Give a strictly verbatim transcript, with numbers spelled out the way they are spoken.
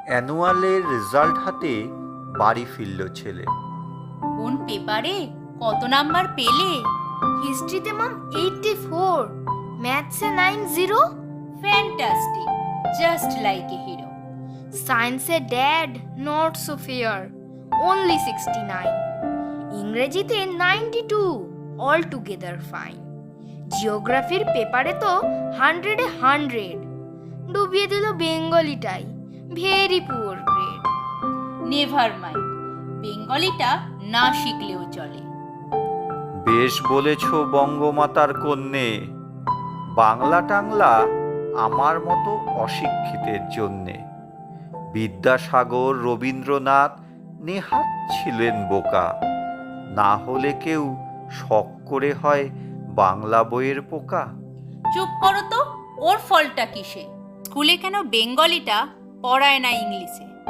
অ্যানুয়ালের result হাতে বাড়ি ফিরল ছেলে। কোন পেপারে কত নাম্বার পেলে? হিস্ট্রিতে মাম এইটটি ফোর, ম্যাথসে nine zero, fantastic, just like a hero. সায়েন্সে dad not so fair, only sixty nine, ইংরেজিতে ninety two, all together fine. জিওগ্রাফির পেপারে তো হান্ড্রেডে হান্ড্রেড, ডুবিয়ে দিল বেঙ্গলিটাই, very poor grade. Never mind, বেঙ্গলিটা না শিখলেও চলে। বেশ বলেছ বঙ্গমাতার কন্যে, বাংলা টাংলা আমার মতো অশিক্ষিতের জন্যে। বিদ্যাসাগর রবীন্দ্রনাথ নেহাত ছিলেন বোকা, না হলে কেউ শখ করে হয় বাংলা বইয়ের পোকা। চুপ করো তো, ওর ফলটা কিসে? স্কুলে কেন বেঙ্গলিটা পড়ায় না ইংলিশে?